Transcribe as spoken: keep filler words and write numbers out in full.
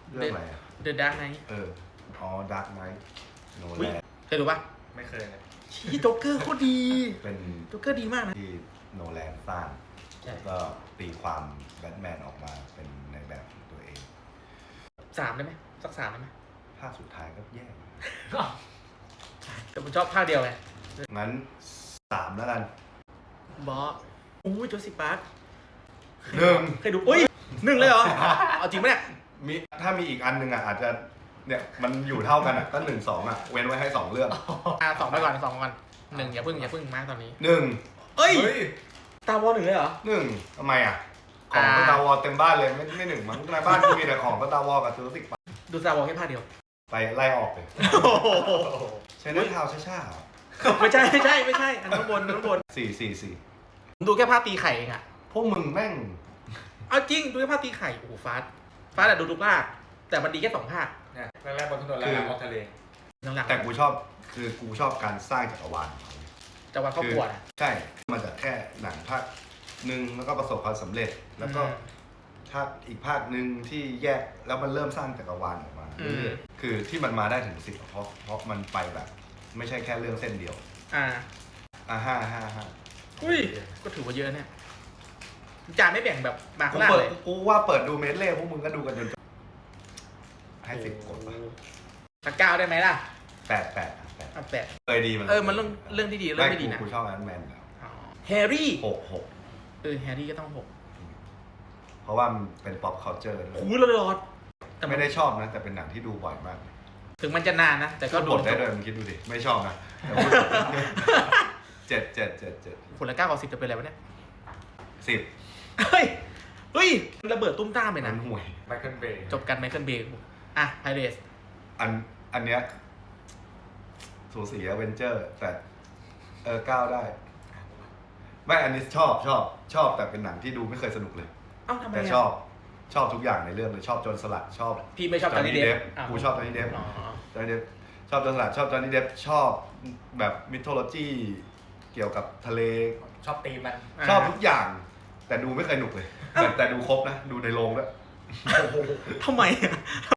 เรื่องอะไรอะ The Dark Knight เอออ๋อดาร์กไนท์โนอุ๊แลยนเคยดูปะไม่เคยเลยชี้โจ๊กเกอร์โคตรดีเป็นโจ๊กเกอร์ดีมากนะที่โนแลนสร้างใช่แล้วก็ตีความแบทแมนออกมาเป็นในแบบของตัวเองสามได้ไหมสักสามได้ไหมภาคสุดท้ายก็แย่แต่ผมชอบภาคเดียวไงงั้นสามแล้วกันบอสอู้ยโจสิปาร์คหนึ่งเคยดูอุ้ยหนึ่งเลยเหรอ เอาจริงปะเนี่ยมีถ้ามีอีกอันหนึ่งอ่ะอาจจะเนี่ยมันอยู่เท่ากันอ่ะก็หนึ่งสองอ่ะเว้นไว้ให้สองเรื่องอ่ะสองไปก่อนสองไปก่อนหนึ่งอย่าพึ่งอย่าพึ่งมากตอนนี้หนึ่งเอ้ยเฮ้ยตาวอลหนึ่งเลยเหรอหนึ่งทำไมอ่ะ ของอ่าสตาร์วอลเต็มบ้านเลยไม่ไม่หนึ่งมั้งในบ้านกูมีแต่ของสตาร์วอลกับจูราสสิกปาร์คดูตาวอลแค่ภาคเดียวไปไล่ออกเลยใช้เนื้อเท้าช้าๆเหรอไม่ใช่ไม่ใช่ไม่ใช่ อันข้างบนอันข้างบนสี่สี่สี่ผมดูแค่ภาคตีไข่เองอะพวกมึงแม่งเอาจริงดูแค่ภาคตีไข่โอ้โหฟาสฟาสอะดูทุกภาคแต่มันดีแค่สองภาคเนี่ยแรกๆบนถนนแล้วบนทะเลหลังๆแต่กูชอบคือกูชอบการสร้างจักรวาลของเขาจะวันครอบครัวนะใช่มาจากแค่หนังภาคหนึ่งแล้วก็ประสบความสำเร็จ แล้วก็อืมภาคอีกภาคหนึ่งที่แยกแล้วมันเริ่มสร้างจักรวาลออกมาอืมเรื่อยๆคือที่มันมาได้ถึงสิบเพราะเพราะมันไปแบบ ไม่ใช่แค่เรื่องเส้นเดียวอ่าอ่าห้าห้าห้าอุ้ยก็ถือว่าเยอะเนี่ยจานไม่แบ่งแบบมากูข้างล่างเปิดเลยกูว่าเปิดดูเมดเล่พวกมึงก็ดูกันจนจบให้สิบกดปะสักเก้าได้ไหมล่ะแปดแปดอ่ะแปดเอาแปดเคยดีมันเออมันเรื่องเรื่องที่ดีเรื่องไม่ดีนะกูชอบแอนด์แมนแล้วอ๋อแฮร์รี่หกหกเออแฮร์รี่ก็ต้องหกเพราะว่ามันเป็น pop culture ด้วยโอ้ยละลอดแต่นไม่ได้ชอบนะ แต่เป็นหนังที่ดูบ่อยมากถึงมันจะนานนะ แต่ก็ก็ดูบทได้ด้วยมึงคิดดูดิ ไม่ชอบนะแต่พูดเจ็ดเจ็ดเจ็ดเจ็ดผลละเก้ากับสิบจะเป็นอะไรวะเนี่ยสิบเฮ้ย เฮ้ยระเบิดตุ้มต้ามเลยมันะนห่วยไมเคิลเบย์จบกันไมเคิลเบย์อ่ะไพเรสอันอันเนี้ยสูสีอเวนเจอร์ แต่เออก้าวได้ ไม่อันนี้ชอบชอบชอบแต่เป็นหนังที่ดูไม่เคยสนุกเลยเอ้าทำไมแต่อะชอบชอบทุกอย่างในเรื่องเลยชอบโจนสลัดชอบพี่ไม่ชอบจอห์นนี่เดฟกูชอบจอห์นนี่เดฟอ๋อจอห์นนี่เดฟชอบโจนสลัดชอบจอห์นนี่เดฟชอบแบบมิทโทโลจีเกี่ยวกับทะเลชอบตีมันชอบทุกอย่าง แต่ดูไม่เคยหนุกเลย แต่แต่ดูครบนะ ดูในโรงด้วยทำไมอะ